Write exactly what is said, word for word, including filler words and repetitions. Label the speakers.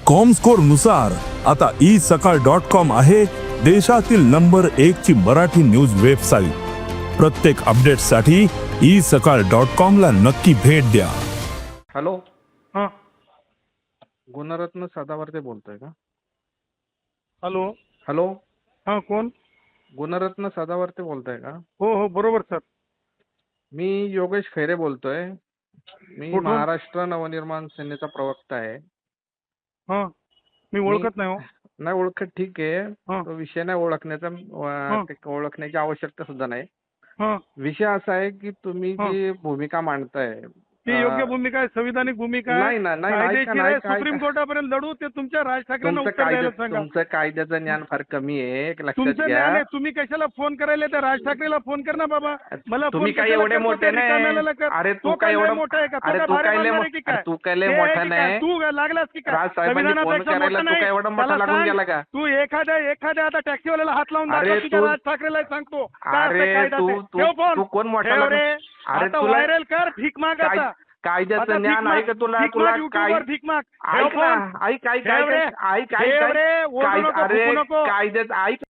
Speaker 1: Comscore नुसार आता E सकाळ डॉट कॉम आहे देशातील नंबर एक ची मराठी न्यूज वेबसाईट। प्रत्येक अपडेटसाठी ई सकाळ डॉट कॉम ला नक्की भेट द्या।
Speaker 2: हॅलो,
Speaker 3: हां
Speaker 2: गुणरत्न सदावर्ते बोलतोय का?
Speaker 3: हॅलो
Speaker 2: हॅलो,
Speaker 3: हां कोण?
Speaker 2: गुणरत्न सदावर्ते बोलतोय का?
Speaker 3: हो हो बरोबर सर।
Speaker 2: मी योगेश खैरे बोलतोय। मी
Speaker 3: कुठून?
Speaker 2: महाराष्ट्र नवनिर्माण सेनेचा प्रवक्ता आहे।
Speaker 3: हां मी ओळखत नाही हो।
Speaker 2: नाही ओळखत, ठीक आहे।
Speaker 3: हां
Speaker 2: तो विषय नाही ओळखण्याचा,
Speaker 3: हां.
Speaker 2: अं, ते ओळखण्याची आवश्यकता सुद्धा नाही।
Speaker 3: हां
Speaker 2: विषय असा आहे की तुम्ही
Speaker 3: हां.
Speaker 2: जी भूमिका मांडताय,
Speaker 3: ती योग्य भूमिका आहे, संविधानिक भूमिका आहे,
Speaker 2: नाही ना, नाही ना, ऐका
Speaker 3: कायदेशीर
Speaker 2: ना,
Speaker 3: आहे,
Speaker 2: ऐका,
Speaker 3: सुप्रीम
Speaker 2: ऐका.
Speaker 3: कोर्टापर्यंत लढू, ते तुमच्या राज ठाकरेंना
Speaker 2: तुमचं
Speaker 3: उत्तर
Speaker 2: कायद्या
Speaker 3: द्यायला सांगा।
Speaker 2: तुमचं कायद्याचं ज्ञान फार कमी आहे, एक लक्षात
Speaker 3: तुमचं
Speaker 2: घ्या।
Speaker 3: ज्ञान आहे, तुम्ही कशाला फोन करायला? त्या राज ठाकरेला फोन कर ना बाबा। मला
Speaker 2: तुम्ही
Speaker 3: फोन
Speaker 2: काय
Speaker 3: कशाला
Speaker 2: एवढे
Speaker 3: करतो?
Speaker 2: मोठे
Speaker 3: त्या
Speaker 2: नाही?
Speaker 3: रिकाम्याला कर.
Speaker 2: अरे तू
Speaker 3: तो
Speaker 2: काय
Speaker 3: लय
Speaker 2: एवढं
Speaker 3: मोठा आहे का? तो
Speaker 2: अरे
Speaker 3: काय
Speaker 2: तू
Speaker 3: भारे
Speaker 2: काय लय
Speaker 3: मानणार
Speaker 2: मो-
Speaker 3: आहे की
Speaker 2: अरे
Speaker 3: काय?
Speaker 2: तू काय लय
Speaker 3: ते आहे
Speaker 2: मोठा
Speaker 3: की काय?
Speaker 2: नाही?
Speaker 3: तू लागलास की काय?
Speaker 2: राज साहेबांनी फोन
Speaker 3: संविधानापेक्षा
Speaker 2: करायला
Speaker 3: मोठा
Speaker 2: तू
Speaker 3: नाही?
Speaker 2: काय एवढा मोठा
Speaker 3: त्याला
Speaker 2: लागून
Speaker 3: सांग,
Speaker 2: गेला का?
Speaker 3: तू एखाद्या एखाद्या आता टॅक्सीवाल्याला हात लावून
Speaker 2: अरे
Speaker 3: दाखव की त्या
Speaker 2: तू-
Speaker 3: राज ठाकरेला सांगतो काय असतं
Speaker 2: अरे
Speaker 3: कायदा
Speaker 2: तू
Speaker 3: ते.
Speaker 2: तू
Speaker 3: ठेव फोन.
Speaker 2: तू कोण मोठा
Speaker 3: ठेव
Speaker 2: लागून?
Speaker 3: रे.
Speaker 2: अरे
Speaker 3: आता
Speaker 2: तुला
Speaker 3: व्हायरल कर, भीक माग
Speaker 2: काय-
Speaker 3: आता.
Speaker 2: कायद्याचं
Speaker 3: आता
Speaker 2: ज्ञान
Speaker 3: भीक
Speaker 2: आहे
Speaker 3: माग,
Speaker 2: का तुला?
Speaker 3: भीक
Speaker 2: तुला
Speaker 3: माग,
Speaker 2: काय
Speaker 3: युट्यूबवर भीक माग. ठेव
Speaker 2: ऐक ना,
Speaker 3: फोन.
Speaker 2: ऐक ऐक
Speaker 3: ठेव रे.
Speaker 2: ऐक ऐक
Speaker 3: ठेव
Speaker 2: ऐक
Speaker 3: रे,
Speaker 2: ऐक
Speaker 3: ओरडू
Speaker 2: ऐक
Speaker 3: नको,
Speaker 2: अरे
Speaker 3: फुकू नको.
Speaker 2: कायद्यात ऐक